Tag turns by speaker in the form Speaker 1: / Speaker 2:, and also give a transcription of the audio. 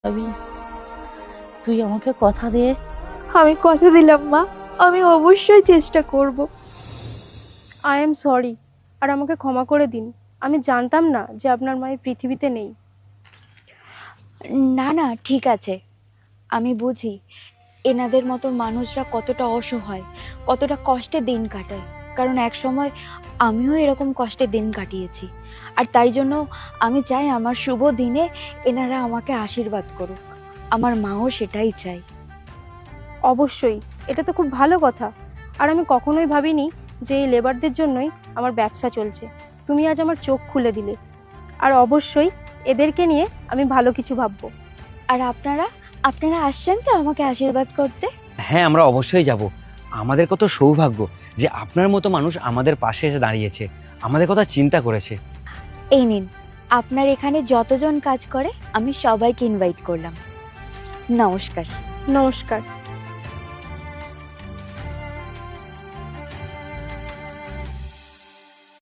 Speaker 1: আমি, তুই আমাকে কথা দে।
Speaker 2: আমি কথা দিলাম মা, আমি অবশ্যই চেষ্টা করব।
Speaker 3: আই এম সরি, আর আমাকে ক্ষমা করে দিন। আমি জানতাম না যে আপনার মা এই পৃথিবীতে নেই।
Speaker 2: না না, ঠিক আছে, আমি বুঝি এনাদের মতো মানুষরা কতটা অসহায়, কতটা কষ্টে দিন কাটায়। কারণ এক সময় আমিও এরকম কষ্টে দিন কাটিয়েছি। আর তাই জন্য আমি চাই আমার শুভ দিনে এনারা আমাকে আশীর্বাদ করুক। আমার মাও সেটাই চাই।
Speaker 3: অবশ্যই, এটা তো খুব ভালো কথা। আর আমি কখনোই ভাবিনি যে এই লেবারদের জন্যই আমার ব্যবসা চলছে। তুমি আজ আমার চোখ খুলে দিলে। আর অবশ্যই এদেরকে নিয়ে আমি ভালো কিছু ভাববো।
Speaker 2: আর আপনারা আপনারা আসছেন তো আমাকে আশীর্বাদ করতে?
Speaker 4: হ্যাঁ, আমরা অবশ্যই যাব। আমাদের কত সৌভাগ্য যে আপনার মতো মানুষ আমাদের পাশে এসে দাঁড়িয়েছে, আমাদের কথা চিন্তা করেছে।
Speaker 2: এই নিন, আপনার এখানে যতজন কাজ করে আমি সবাইকে ইনভাইট করলাম। নমস্কার।
Speaker 3: নমস্কার।